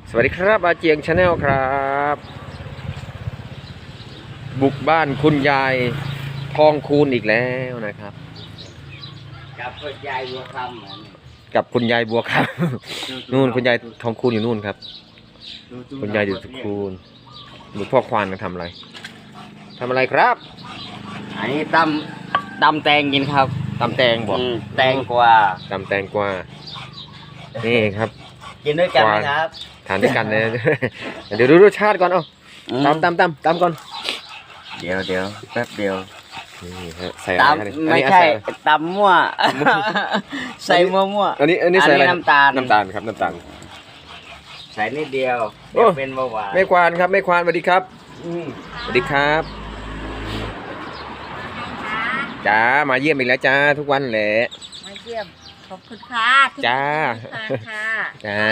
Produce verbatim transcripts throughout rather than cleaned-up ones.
สวัสดีครับอาเจียงชาแนลครับบุกบ้านคุณยายทองคูณอีกแล้วนะครับกับคุณยายบัวคำกับคุณยายบัวคำนู่นคุณยายทองคูณอยู่นู่นครับคุณยายอยู่ทองคูณดูพ่อควานกันทำอะไรทำอะไรครับอันนี้ตำตำแตงกินครับตำแตงบอกแตงกวาตำแตงกวานี่ครับกินด้วยกันไหมครับทานด้วยกันเลยเดี๋ยวดูรสชาติก่อนเอาตำตำตำตำก่อนเดี๋ยวเดี๋ยวแป๊บเดียวนี่ฮะใส่อะไรไม่ใช่ตำมั่วใส่มั่วมั่วอันนี้อันนี้ใส่อะไรน้ำตาลน้ำตาลครับน้ำตาลใส่นิดเดียวเป็นเบาหวานไม่ควานครับไม่ควานสวัสดีครับสวัสดีครับจ้ามาเยี่ยมอีกแล้วจ้าทุกวันแหละมาเยี่ยมขอบคุณค่ะจ้าค่ะจ้า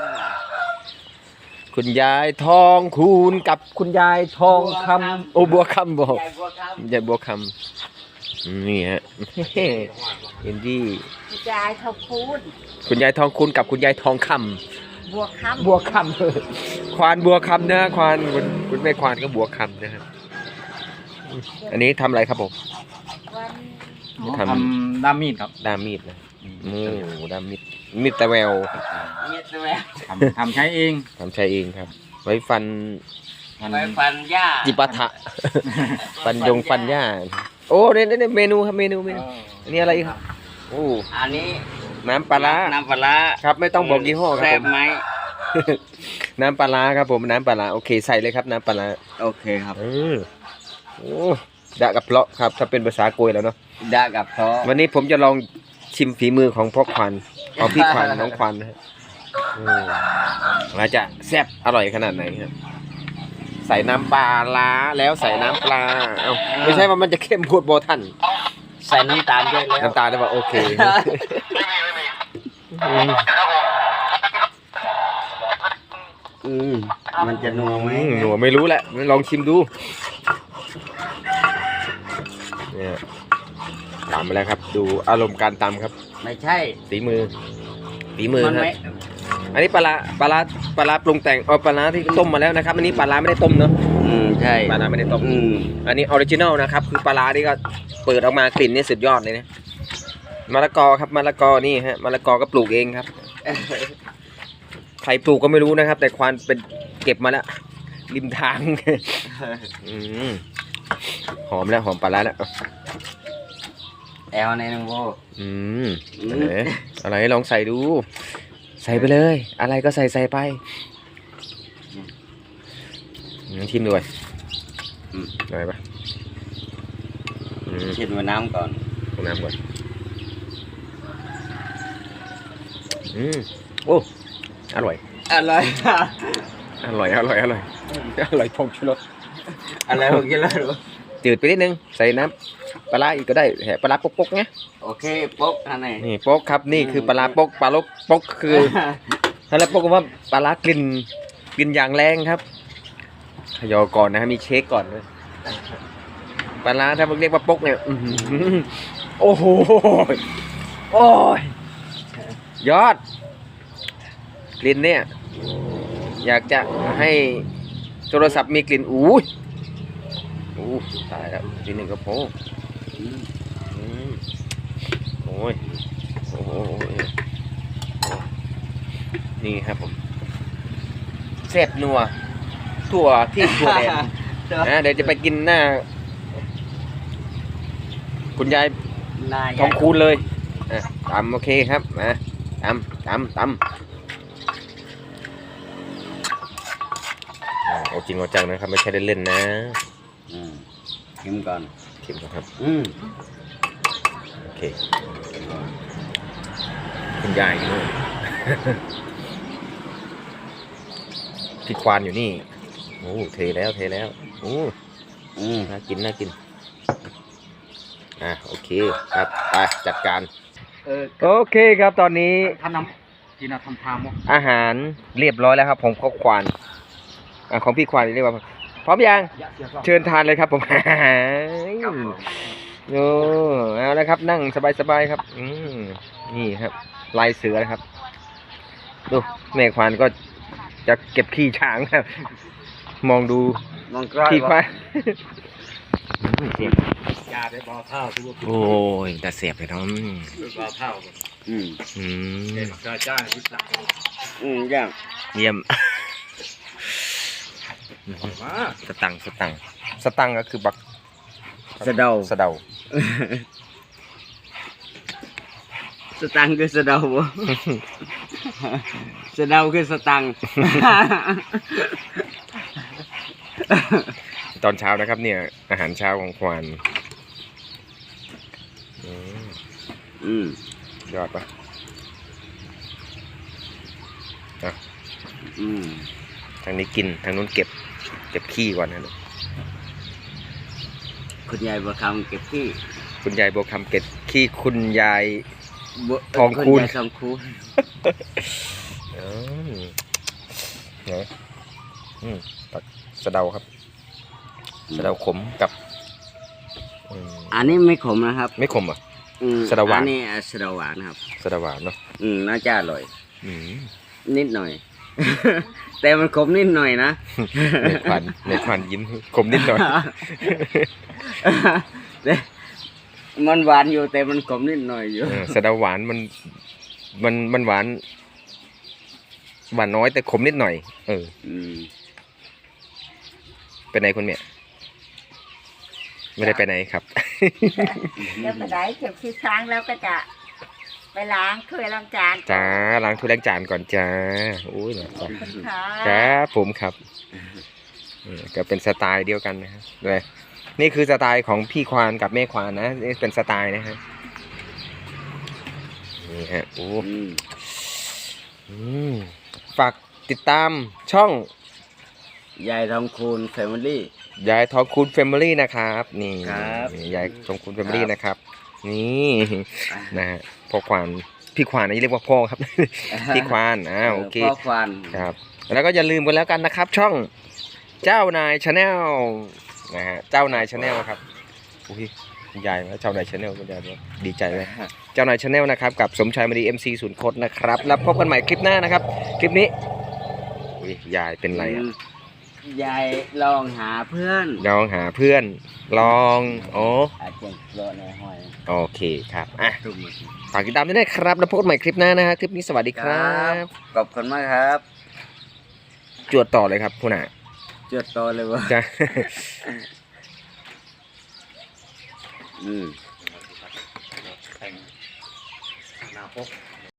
คุณยายทองคูณกับคุณยายทองคำโอบัวคำบอกยายบัวคำนี่ฮะเอ็นดี้คุณยายทองคูณคุณยายทองคูณกับคุณยายทองคำบัวคำบัวคำควานบัวคำนะควานคุณคุณแม่ควานก็บัวคำนะครับอันนี้ทำอะไรครับผมทำด้ามมีดครับด้ามมีดนะมูด้ามมีดมีดตะแววมีดตะแววทำทำใช้เองทำใช้เองครับไว้ฟันไว้ฟันหญ้าจิปาถะฟันยงฟันหญ้าโอ้เนี่ยเนี่ยเมนูครับเมนูเมนูอันนี้อะไรครับโอ้อันนี้น้ำปลาร้าน้ำปลาร้าครับไม่ต้องบอกยี่ห้อครับแซ่บไหมน้ำปลาร้าครับผมน้ำปลาร้าโอเคใส่เลยครับน้ำปลาร้าโอเคครับเออโอ้ดะกับเพลาะครับถ้าเป็นภาษาโกยแล้วเนาะดะกับเพลาะวันนี้ผมจะลองชิมฝีมือของพ่อควันของพี่ควันน้องควันนะฮะว่าจะแซ่บอร่อยขนาดไหนครับใส่น้ำปลาล้าแล้วใส่น้ำปลาเอ้าไม่ใช่ว่ามันจะเข้มพูดโบทันใส่น้ำตาลด้วยแล้วน้ำตาลได้ป่ะโอเคอืมมันจะนัวไหมนัวไม่รู้แหละลองชิมดูเนี่ยตำไปแล้วครับดูอารมณ์การตำครับไม่ใช่ฝีมือฝีมือครับอันนี้ปลาปลาปลาปรุงแต่งเอาปลาที่ต้มมาแล้วนะครับอันนี้ปลาไม่ได้ต้มเนาะอืมใช่ปลาไม่ได้ต้มอันนี้ออริจินัลนะครับคือปลาที่ก็เปิดออกมากลิ่นนี่สุดยอดเลยนะมะละกอครับมะละกอนี่ฮะมะละกอก็ปลูกเองครับใครปลูกก็ไม่รู้นะครับแต่ควานเป็นเก็บมาแล้วริมทางหอมแล้วหอมปลาแล้วแอลในนึงโบอืมอะไรลองใส่ดูใส่ไปเลยอะไรก็ใส่ใส่ไปชิมด้วยอะไรปะชิมน้ำก่อนน้ำก่อนอืมโอ้อร่อยอร่อยอร่อยอร่อยอร่อยอร่อยพงชูรสอะไรพงชูรสจืดไปนิดนึงใส่น้ำปลาอีกก็ได้แหะปลาปกปกเนี้ยโอเคปกอันไหนนี่ปกครับนี่คือปลาปกปลาลกปกคือถ้าแล้วปกว่าปลากลิ่นกลิ่นอย่างแรงครับขยอก่อนนะฮะมีเช็คก่อนด้วยปลาถ้าเรียกว่าปกเนี่ยโอ้โหโอ้ยยอดกลิ่นเนี่ยอยากจะให้โทรศัพท์มีกลิ่นอู้ยอู้ตายแล้วทีหนึ่งก็โผล่โอ้ยโอ้ยนี่ครับผมแซ่บนัวถั่วที่ถั่วแดงนะเดี๋ยวจะไปกินหน้าคุณยายทองคูณเลยอ่ะตำโอเคครับนะตำตำตำเอาจริงเอาจังนะครับไม่ใช่เล่นๆนะชิมก่อนชิมก่อนครับอืมโอเคคุณยายนู่นพี่ควานอยู่นี่โอ้เทแล้วเทแล้วโอ้อืมน่ากินน่ากินอ่ะโอเคครับไปจัดการโอเคครับตอนนี้ทำน้ำกินทำทามอาหารเรียบร้อยแล้วครับผมข้าวควานของพี่ควานเรียกว่าพร้อมยังเชิญทานเลยครับผมโอ้เอาละครับนั่งสบายๆครับอืมนี่ครับลายเสือนะครับดูแม่ควานก็จะเก็บขี้ช้างครับ มองดูมองกล้อยขี้ควายเสียบยาได้บ่อเท่าทุกโอ้ยแต่เสียบเลยน้องบ่อเท่าอืมอืมเด็กกระจ้างพิษละอืมย่างเยี่ยมมาสตังค์สตังค์สตังค์ก็คือบักสะเดาสะเดาสตังค์คือสะเดาบ่ สะเดาคือสตังค์ตอนเช้านะครับเนี่ย อาหารเช้าของควานอืมอืมยอดปะอ่ะอืมทางนี้กินทางนู้นเก็บ เก็บขี้ก่อนนะคุณยายบัวคำเก็บที่คุณยายบัวคำเก็บขี้คุณยายบัวทองคูณณยายทองคูณอืมไหนอืมตักสะเดาครับสะเดาขมกับอืมอันนี้ไม่ขมนะครับไม่ขมเหรอ่ะอืมสะเดาหวานอันนี้สะเดาหวานนะครับสะเดาหวานเนาะอืมน่าจะอร่อยอืมนิดหน่อย แต่มันขมนิดหน่อยนะในควันในควันยิ้มขมนิดหน่อยแต่มันหวานอยู่แต่มันขมนิดหน่อยอยู่เออสะเดาหวานมันมันมันหวานหวานน้อยแต่ขมนิดหน่อย เอออืมไปไหนคุณเมียไม่ได้ไปไหนครับแล้วก็ได้เก็บขี้ช้างแล้วก็จะไปล้างถ้วยล้างจานจ้าล้างถ้วยล้างจานก่อนจ้าโอ้ยนะขอบคุณค่ะครับผมครับเออก็เป็นสไตล์เดียวกันนะครับเลยนี่คือสไตล์ของพี่ควานกับแม่ควานนะนี่เป็นสไตล์นะฮะนี่ฮะโอ้อืมอืมฝากติดตามช่องยายทองคูณแฟมิลี่ยายทองคูณแฟมิลี่นะครับนี่ครับยายทองคูณแฟมิลี่ครับนะครับ นี่นะฮะพ่อควานพี่ควานนี่เรียกว่าพ่อครับ พี่ควานอ่าโอเคพ่อควานครับแล้วก็อย่าลืมกันแล้วกันนะครับ ช่องเจ้านายชาแนลนะฮะเจ้านายชาแนลครับอุ้ยคุณยายนะเจ้านายชาแนลคุณยายบอกดีใจเลยเจ้านายชาแนลนะครับกับสมชายมณีเอ็มซีศูนย์คดนะครับแล้วพบกันใหม่คลิปหน้านะครับ คลิปนี้อุ้ยยายเป็นไรอ่ะมยายลองหาเพื่อนลองหาเพื่อนลองโอ้อาจจะโดนในห้อยโอเคครับอ่ะทุกหมดฝากติดตามด้วยนะครับแล้วพบกันใหม่คลิปหน้านะฮะคลิปนี้สวัสดีครับขอบคุณมากครับจวดต่อเลยครับคุณอ่ะจดโตเลยวะจ้าอืมแต่งหน้าปก